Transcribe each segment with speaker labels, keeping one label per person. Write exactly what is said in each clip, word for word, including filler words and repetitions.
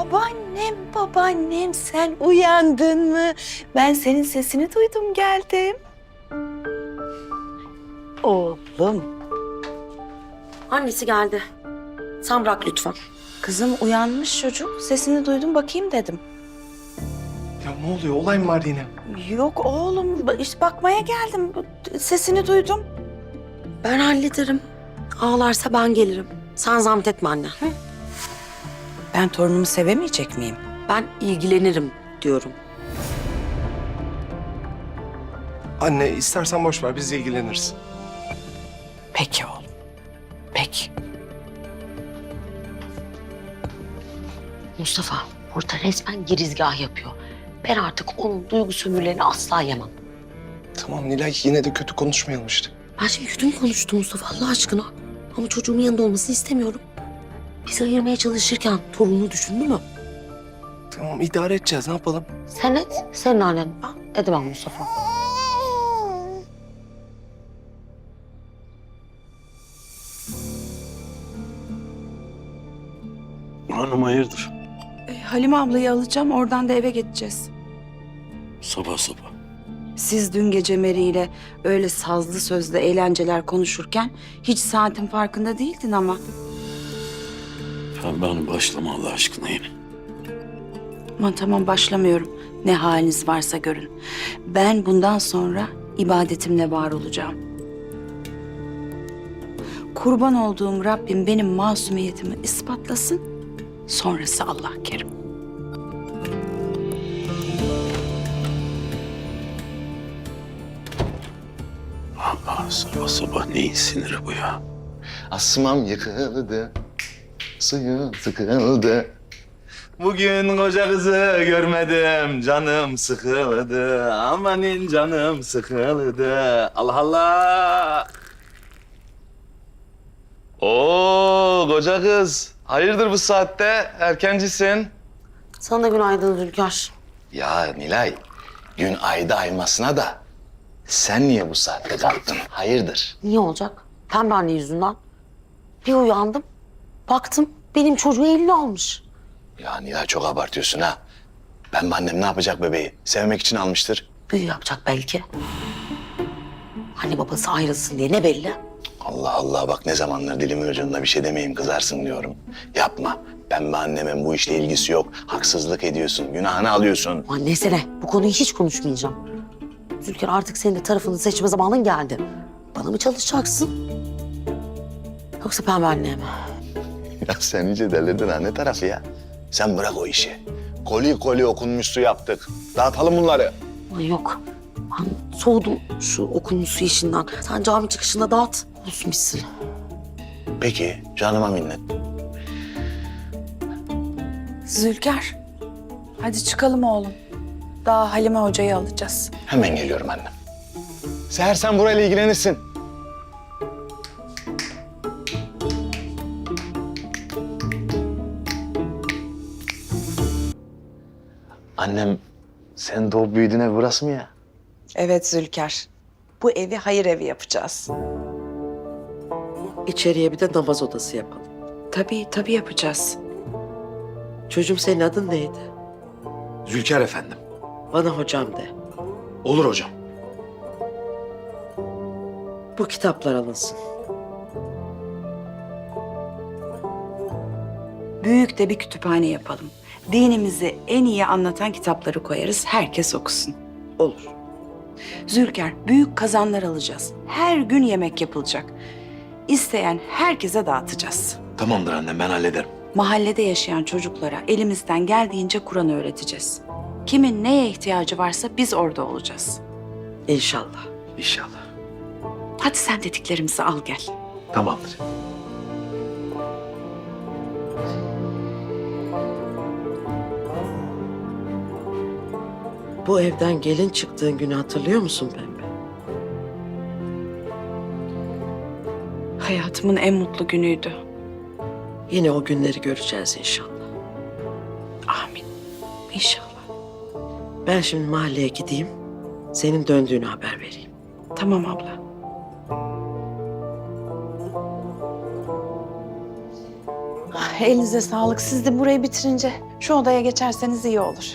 Speaker 1: Babaannem, babaannem sen uyandın mı? Ben senin sesini duydum geldim. Oğlum.
Speaker 2: Annesi geldi. Sen bırak lütfen.
Speaker 1: Kızım uyanmış çocuk. Sesini duydum bakayım dedim.
Speaker 3: Ya ne oluyor? Olay mı var yine?
Speaker 1: Yok oğlum işte bakmaya geldim. Sesini duydum.
Speaker 2: Ben hallederim. Ağlarsa ben gelirim. Sen zahmet etme anne.
Speaker 1: Ben torunumu sevemeyecek miyim?
Speaker 2: Ben ilgilenirim diyorum.
Speaker 3: Anne istersen boş ver, biz ilgileniriz.
Speaker 1: Peki oğlum. Peki.
Speaker 2: Mustafa burada resmen girizgah yapıyor. Ben artık onun duygu sömürlerini asla yemem.
Speaker 3: Tamam Nilay, yine de kötü konuşmayalım işte.
Speaker 2: Ben şimdi kötü mü konuştum Mustafa Allah aşkına? Ama çocuğumun yanında olmasını istemiyorum. Bizi ayırmaya çalışırken torununu düşündü mü?
Speaker 3: Tamam, idare edeceğiz, ne yapalım?
Speaker 2: Sen et, senin annen. Ben edemem Mustafa.
Speaker 4: Hanım hayırdır?
Speaker 1: E, Halime ablayı alacağım oradan da eve geçeceğiz.
Speaker 4: Sabah sabah.
Speaker 1: Siz dün gece Meri ile öyle sazlı sözlü eğlenceler konuşurken hiç saatin farkında değildin ama.
Speaker 4: Pembe Hanım başlama Allah aşkına yine.
Speaker 1: Aman tamam başlamıyorum. Ne haliniz varsa görün. Ben bundan sonra ibadetimle var olacağım. Kurban olduğum Rabbim benim masumiyetimi ispatlasın. Sonrası Allah kerim.
Speaker 4: Allah sabah sabah neyin siniri bu ya?
Speaker 5: Asmam yıkıldı, suyum sıkıldı. Bugün koca kızı görmedim, canım sıkıldı. Amanin canım sıkıldı. Allah Allah. Oo koca kız, hayırdır bu saatte? Erkencisin.
Speaker 2: Sana da günaydın Zülker.
Speaker 5: Ya Nilay, gün ayda aymasına da sen niye bu saatte kalktın? Hayırdır?
Speaker 2: Niye olacak? Pembe anne yüzünden. Bir uyandım, baktım benim çocuğu eline almış.
Speaker 5: Ya Nilay çok abartıyorsun ha. Ben annem ne yapacak bebeği? Sevmek için almıştır.
Speaker 2: Büyü yapacak belki. Anne babası ayrılsın diye ne belli?
Speaker 5: Allah Allah bak ne zamanlar dilimin ucunda bir şey demeyeyim kızarsın diyorum. Yapma. Pembe annemin bu işle ilgisi yok. Haksızlık ediyorsun, günahını alıyorsun.
Speaker 2: Annese ne? Bu konuyu hiç konuşmayacağım. Zülker artık senin de tarafını seçme zamanın geldi. Bana mı çalışacaksın? Yoksa Pembe anneye mi?
Speaker 5: Ya sen iyice delirdin ha, ne tarafı ya? Sen bırak o işi. Koli koli okunmuş su yaptık. Dağıtalım bunları.
Speaker 2: Ay yok. Ben soğudum şu okunmuş su işinden. Sen cami çıkışında dağıt. Olsun bitsin.
Speaker 5: Peki, canıma minnet.
Speaker 1: Zülker, hadi çıkalım oğlum. Daha Halime hocayı alacağız.
Speaker 5: Hemen geliyorum annem. Seher sen burayla ilgilenirsin. Annem, sen doğup büyüdüğün ev burası mı ya?
Speaker 1: Evet Zülker, bu evi hayır evi yapacağız.
Speaker 6: İçeriye bir de namaz odası yapalım.
Speaker 1: Tabii, tabii yapacağız.
Speaker 6: Çocuğum senin adın neydi?
Speaker 7: Zülker efendim.
Speaker 6: Bana hocam de.
Speaker 7: Olur hocam.
Speaker 6: Bu kitaplar alınsın.
Speaker 1: Büyük de bir kütüphane yapalım. Dinimizi en iyi anlatan kitapları koyarız, herkes okusun.
Speaker 6: Olur.
Speaker 1: Zülker, büyük kazanlar alacağız. Her gün yemek yapılacak. İsteyen herkese dağıtacağız.
Speaker 7: Tamamdır annem, ben hallederim.
Speaker 1: Mahallede yaşayan çocuklara elimizden geldiğince Kur'an öğreteceğiz. Kimin neye ihtiyacı varsa biz orada olacağız.
Speaker 6: İnşallah.
Speaker 7: İnşallah.
Speaker 1: Hadi sen dediklerimizi al gel.
Speaker 7: Tamamdır.
Speaker 6: Bu evden gelin çıktığın günü hatırlıyor musun Pembe?
Speaker 1: Hayatımın en mutlu günüydü.
Speaker 6: Yine o günleri göreceğiz inşallah.
Speaker 1: Amin. İnşallah.
Speaker 6: Ben şimdi mahalleye gideyim. Senin döndüğünü haber vereyim.
Speaker 1: Tamam abla.
Speaker 6: Ay,
Speaker 1: Elinize sağlık. Siz de burayı bitirince şu odaya geçerseniz iyi olur.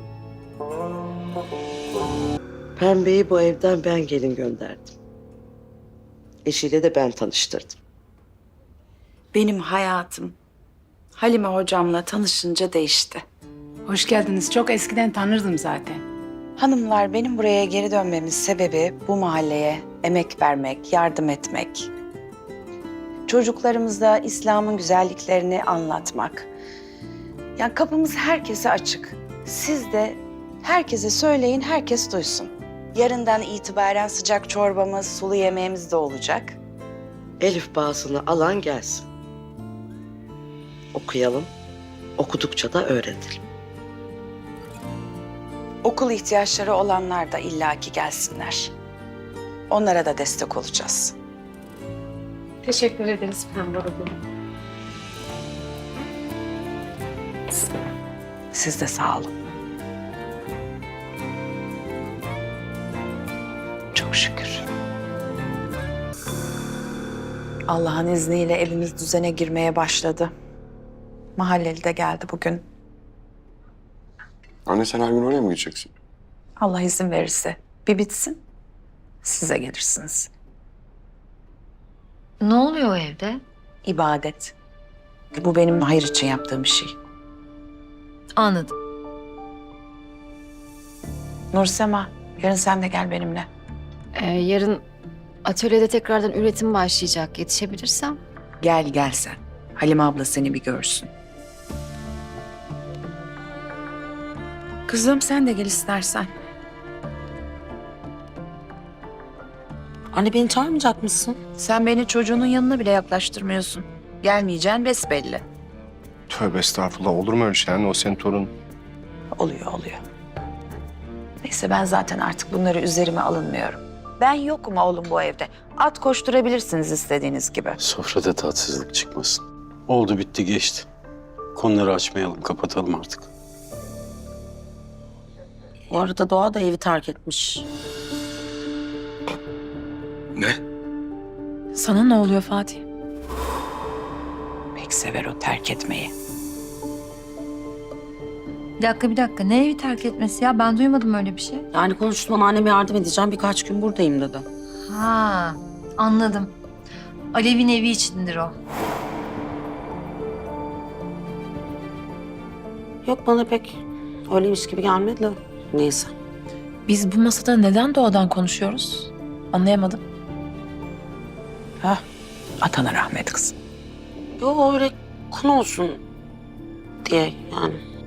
Speaker 6: Pembe'yi bu evden ben gelin gönderdim. Eşiyle de ben tanıştırdım.
Speaker 1: Benim hayatım Halime hocamla tanışınca değişti.
Speaker 8: Hoş geldiniz. Çok eskiden tanırdım zaten.
Speaker 1: Hanımlar, benim buraya geri dönmemin sebebi bu mahalleye emek vermek, yardım etmek. Çocuklarımıza İslam'ın güzelliklerini anlatmak. Yani kapımız herkese açık. Siz de herkese söyleyin, herkes duysun. Yarından itibaren sıcak çorbamız, sulu yemeğimiz de olacak.
Speaker 6: Elif bağısını alan gelsin. Okuyalım. Okudukça da öğrenelim.
Speaker 1: Okul ihtiyaçları olanlar da illaki gelsinler. Onlara da destek olacağız.
Speaker 8: Teşekkür ederiz Pembe Hanım.
Speaker 1: Siz de sağ olun. Çok şükür. Allah'ın izniyle evimiz düzene girmeye başladı. Mahalleli de geldi bugün.
Speaker 3: Anne sen her gün oraya mı gideceksin?
Speaker 1: Allah izin verirse bir bitsin, size gelirsiniz.
Speaker 9: Ne oluyor o evde?
Speaker 1: İbadet. Bu benim hayır için yaptığım bir şey.
Speaker 9: Anladım.
Speaker 1: Nursema, yarın sen de gel benimle.
Speaker 9: Ee, yarın atölyede tekrardan üretim başlayacak. Yetişebilirsem.
Speaker 1: Gel gel sen. Halime abla seni bir görsün. Kızım sen de gel istersen.
Speaker 2: Anne beni çağırmayacak mısın?
Speaker 1: Sen beni çocuğunun yanına bile yaklaştırmıyorsun. Gelmeyeceğin besbelli.
Speaker 3: Tövbe estağfurullah, olur mu öyle şey anne? O senin torun.
Speaker 1: Oluyor oluyor. Neyse ben zaten artık bunları üzerime alınmıyorum. Ben yokum oğlum bu evde. At koşturabilirsiniz istediğiniz gibi.
Speaker 4: Sofrada tatsızlık çıkmasın. Oldu bitti geçti. Konuları açmayalım, kapatalım artık.
Speaker 2: Bu arada Doğa da evi terk etmiş.
Speaker 3: Ne?
Speaker 8: Sana ne oluyor Fatih?
Speaker 1: Pek sever o terk etmeyi.
Speaker 9: Bir dakika bir dakika. Ne evi terk etmesi ya? Ben duymadım öyle bir şey.
Speaker 2: Yani konuştum, bana anneme yardım edeceğim, birkaç gün buradayım dedi.
Speaker 9: Ha, anladım. Alev'in evi içindir o.
Speaker 2: Yok, bana pek öyleymiş gibi gelmedi de. Neyse.
Speaker 8: Biz bu masada neden doğadan konuşuyoruz? Anlayamadım.
Speaker 1: Hah, atana rahmet kızım.
Speaker 2: Yok, öyle konu olsun diye yani.